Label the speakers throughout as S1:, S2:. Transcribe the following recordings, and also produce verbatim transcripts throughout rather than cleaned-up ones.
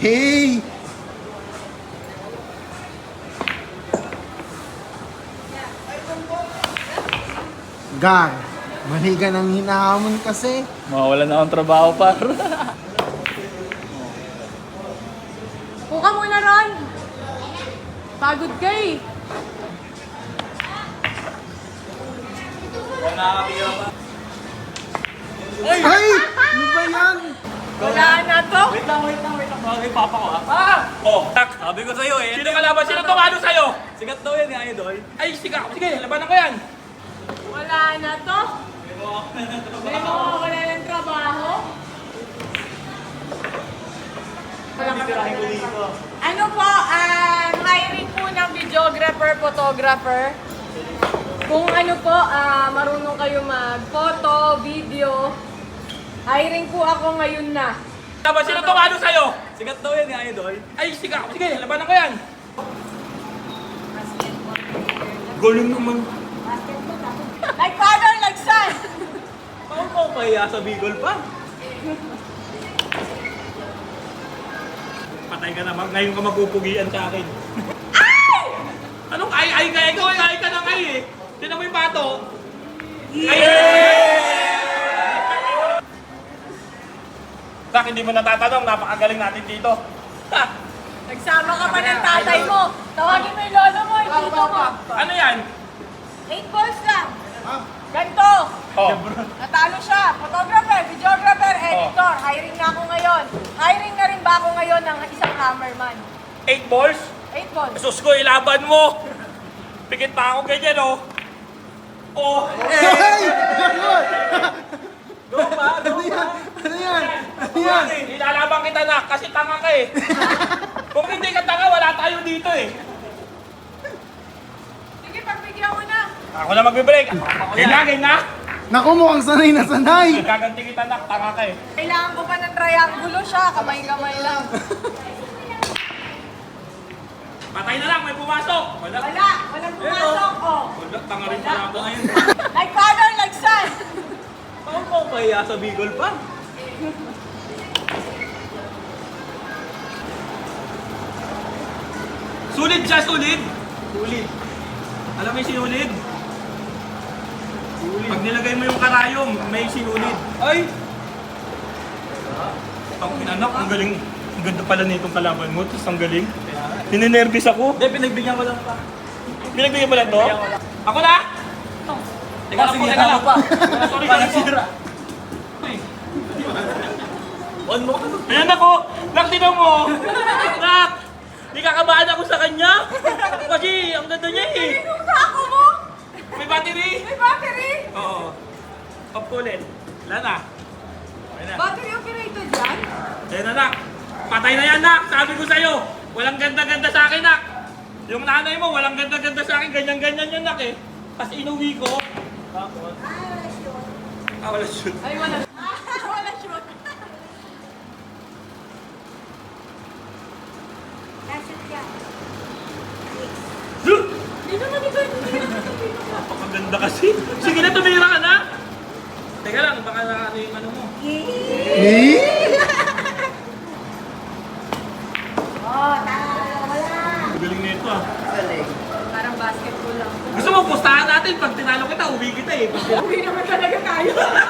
S1: Hey! Gar, mali ka nang hinahamon kasi.
S2: Mawala na akong trabaho, par.
S3: Puka muna ron. Pagod ka eh.
S1: Ay! Ano ba yan?
S3: Wala na to.
S2: Wait lang, wait lang, wait lang. Mga papa ko, ha? Ah! Oh, tak, sabi ko sa'yo eh. Sino kalaban? Sino tumalo sa'yo? Sigat daw yan, yung idol. Ay, sigat. Sige, labanan ko yan.
S3: Wala na to. May mga wala ng trabaho. Ano po, um, hiring po ng videographer, photographer. Kung ano po, ah, marunong kayo mag-photo, video. Hiring po ako ngayon na.
S2: Laban, sino tumalo sa'yo? Sigat daw yan, yung idol. Ay, sigat. Sige, labanan ko yan. Galing naman.
S3: Like father, like son.
S2: Ako mo kaya sa Bicol pa. Patay ka naman. Ngayon ka magpupugian sa akin.
S3: Ay!
S2: Anong ay ay ka? Ikaw ay ay ka na ay eh. Tinan mo yung pato. Ay! Tak, hindi mo natatanong. Napakagaling natin dito. Ha!
S3: Nagsama ka pa ng tatay mo. Tawagin mo yung lolo mo, yung tito mo.
S2: Ano yan?
S3: Eight balls lang. Ganto.
S2: Oh.
S3: Natalo siya. Photographer, videographer, editor. Hiring na ako ngayon. Hiring na rin ba ako ngayon ng isang cameraman?
S2: Eight balls?
S3: Eight balls.
S2: Sus ko, ilaban mo. Pikit pa ako ganyan, oh. Oh.
S1: Hey!
S2: Go pa, go
S1: Ano yan?
S2: pa.
S1: Ano yan? Ano yan?
S2: Ilalaban kita na kasi tanga ka eh. Kung hindi ka tanga, wala tayo dito eh.
S3: Sige, pagbigyan mo na.
S2: Ako na magbe-break. Game na, game na.
S1: Naku, mukhang sanay na sanay.
S2: Gaganti kita na, tanga ka eh.
S3: Kailangan ko pa ng triangulo siya. Kamay-kamay lang.
S2: Patay na lang, may pumasok. Wala.
S3: Wala. Walang pumasok. Oh.
S2: Wala, tanga rin pala ako ngayon.
S3: Like father, like son.
S2: Ako mo kaya sa Bicol pa. Sulit siya, sulit. Sulit. Alam mo yung sinulid? Sulit. Pag nilagay mo yung karayom, may sinulid. Ay! Ang inanak, ang galing. Ang ganda pala nitong kalaban mo, tapos ang galing. Ninenervous ako. Hindi, pinagbigyan ko lang pa. Pinagbigyan mo lang to? Ako na! Teka lang po, teka lang. Sorry, sorry po. On mo ka. Ayan ako! Nak, tinan mo! Nak! Di kakabahan ako sa kanya! Kasi ang ganda niya eh!
S3: Sinong sako mo?
S2: May battery!
S3: May battery?
S2: Oo. Pop ko ulit. Wala na. Okay na.
S3: Battery operated yan?
S2: Ayan na, nak. Patay na yan, nak. Sabi ko sa'yo. Walang ganda-ganda sa akin, nak. Yung nanay mo, walang ganda-ganda sa akin. Ganyan-ganyan yan, nak eh. Tapos inuwi ko. Tapos? Ah, wala shoot.
S3: Ay, wala. Ah, wala shoot. Hindi naman ito. Hindi naman ito.
S2: Napakaganda kasi. Sige na, tumira ka na. Teka lang, baka na ano yung ano mo.
S1: Eh?
S3: Oh, tama. Wala.
S2: Ang galing na ito ah.
S3: Parang basketball lang.
S2: Gusto mo, pustahan natin. Pag tinalo kita, uwi kita eh.
S3: Uwi naman talaga tayo.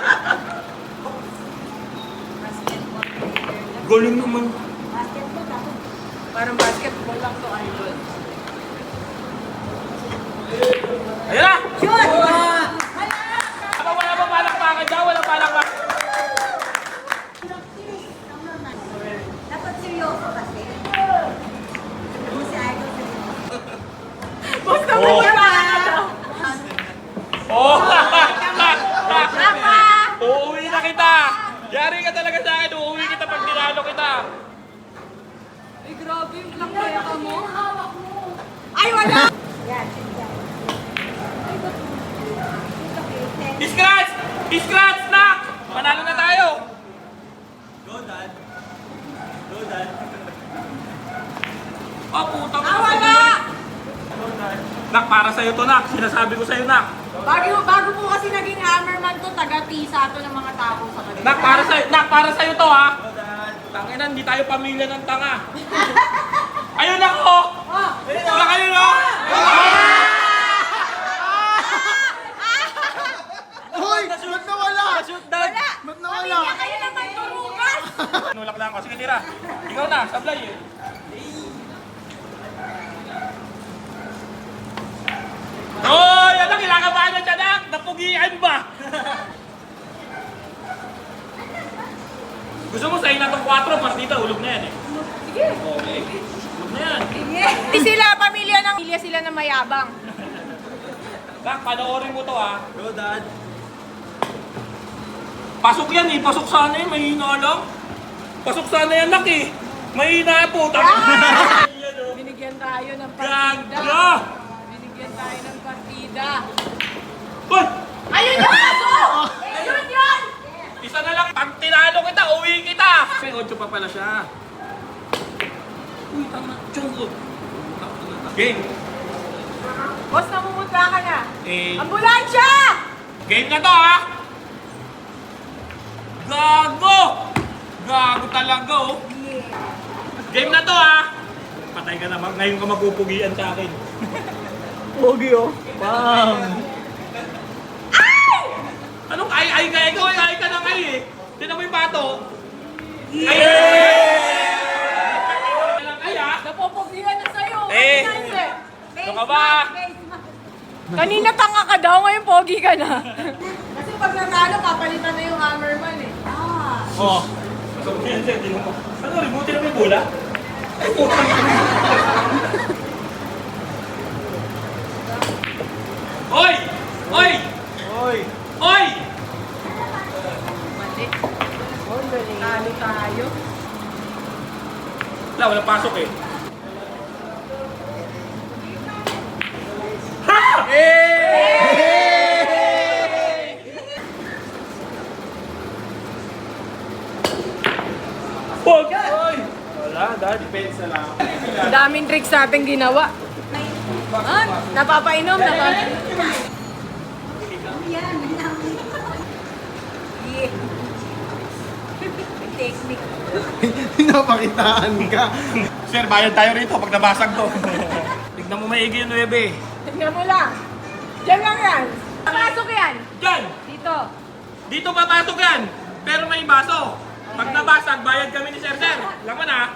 S2: Galing naman.
S3: Parang basketball lang to, idol.
S2: Ayan na!
S3: Shoot!
S2: Wala, wala pa palakpakan dyan, wala palakpakan.
S4: Dapat seryoso kasi. Hindi si Idol seryoso.
S3: Basta mo
S2: Oh.
S3: wala.
S2: Oh!
S3: Papa!
S2: Uuwi na kita! Yari ka talaga sa akin, uuwi kita pag tinalo kita.
S3: Ay, grabe yung lang kaya ka mo. Ay, wala!
S4: Yan, yan. Ay, ba't? It's okay.
S2: Scratch! Scratch, knock! Panalo na tayo! Go, Dad. Go, Dad. Oh, puta mo.
S3: Ah, wala!
S2: Nak, para sa'yo to, Nak. Sinasabi ko sa'yo, Nak.
S3: Bago, bago po kasi naging hammerman to, taga-tisa to ng mga tao sa kanila.
S2: Nak, para sa'yo, Nak, para sa'yo to, ha? Tangina, hindi tayo pamilya ng tanga. Ayun ako! Wala kayo, no?
S1: Hoy! Ba't nawala?
S2: Shoot down!
S1: Ba't nawala?
S3: Pamilya kayo naman turugas!
S2: Nulak lang ako. Sige, tira. Ikaw na, sablay eh. Hoy! Ano, kinakabahan na siya, nak? Napugian ba? Gusto mo sa'yo na itong kwatro, mas dito, ulog na yan eh.
S3: Sige.
S2: Okay. Ulog na yan.
S3: Hindi sila pamilya ng pamilya sila na mayabang.
S2: Nak, panoorin mo to ah. Go, Dad. Pasok yan eh. Pasok sana eh. Mahina lang. Pasok sana yan, nak eh. Mahina po.
S3: Ah!
S2: Yan, oh.
S3: Binigyan tayo ng partida.
S2: Gaga!
S3: Binigyan tayo ng partida.
S2: Hoy!
S3: Ayun yung aso! Yun yun!
S2: Isa na lang. Pag tinalo kita, uwi kita. May ocho pa pala siya. Uy, tama. Chongo. Game.
S3: Boss, namumutla ka na.
S2: Eh.
S3: Ambulansya!
S2: Game na to ha. Gago! Gago talaga oh. Game na to ha. Patay ka naman. Ngayon ka mapupugian sa akin. Pogi oh. Bam!
S3: Ay!
S2: Anong ay ay ka? Ikaw ay ay ka na kayo eh. Tinan mo yung bato. Ay! Ay ha?
S3: Napopogihan na sa'yo.
S2: Eh.
S3: Kanina,
S2: Ano ka ba?
S3: Kanina tanga ka daw, ngayon pogi ka na. Kasi pag nanalo, papalitan na yung hammerman eh.
S4: Ah.
S2: Oh. So, yan sir, tingnan mo. Ano, remote na may bola? Ay, putang ina. Oy! Oy!
S1: Hoy!
S2: Oy!
S3: Mali. Talo tayo.
S2: Wala, walang pasok eh. Ha! Pog! Wala, dahil depensa lang.
S3: Daming tricks natin ginawa. Ah, napapainom, napapainom.
S4: Yan. Yeah. Technique.
S1: Pinapakitaan ka.
S2: Sir, bayad tayo rito pag nabasag to. Tignan mo maigi yung nuebe.
S3: Tingnan mo lang. Diyan lang yan. Pasok yan.
S2: Diyan!
S3: Dito.
S2: Dito papasok yan! Pero may baso. Pag nabasag, bayad kami ni Sir Sir. Laman ha?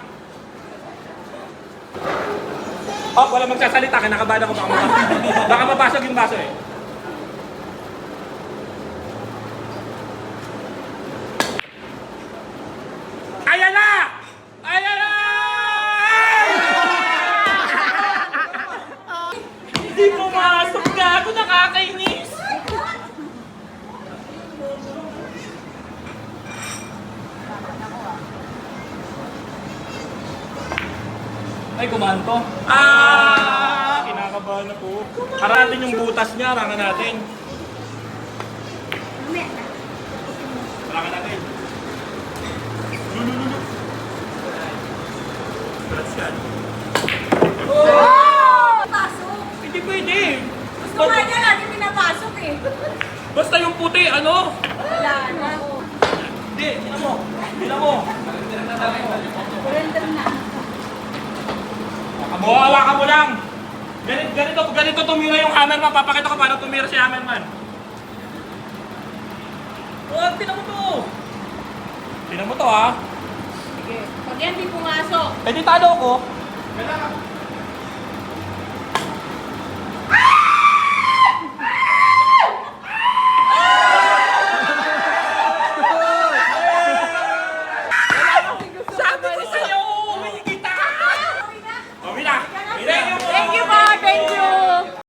S2: Oh, wala magsasalita. Kinakabahan ako baka mabasag. Baka mabasag yung baso eh. Ayan na! Ayan na! Hindi pumasok na ako. Nakakainis. Ay, kumanto. Ah! Kinakabahan na po. Haratin yung butas niya. Harangan natin. Harangan natin. Lulululu. Congrats yan.
S3: Oh!
S4: Pasok.
S2: Hindi pwede.
S3: Gusto nga niya lagi pinapasok eh.
S2: Basta yung puti, ano?
S3: Wala na.
S2: Hindi, tingnan mo. Tingnan mo.
S4: Surrender na.
S2: Kamuhawa ka mo lang. Ganito, ganito, ganito tumira yung hammerman. Papakita ko paano tumira si hammerman. Oh, tingnan mo to. Tingnan mo to ha.
S3: Sige. Pag yan di pumasok.
S2: Eh di talo ko.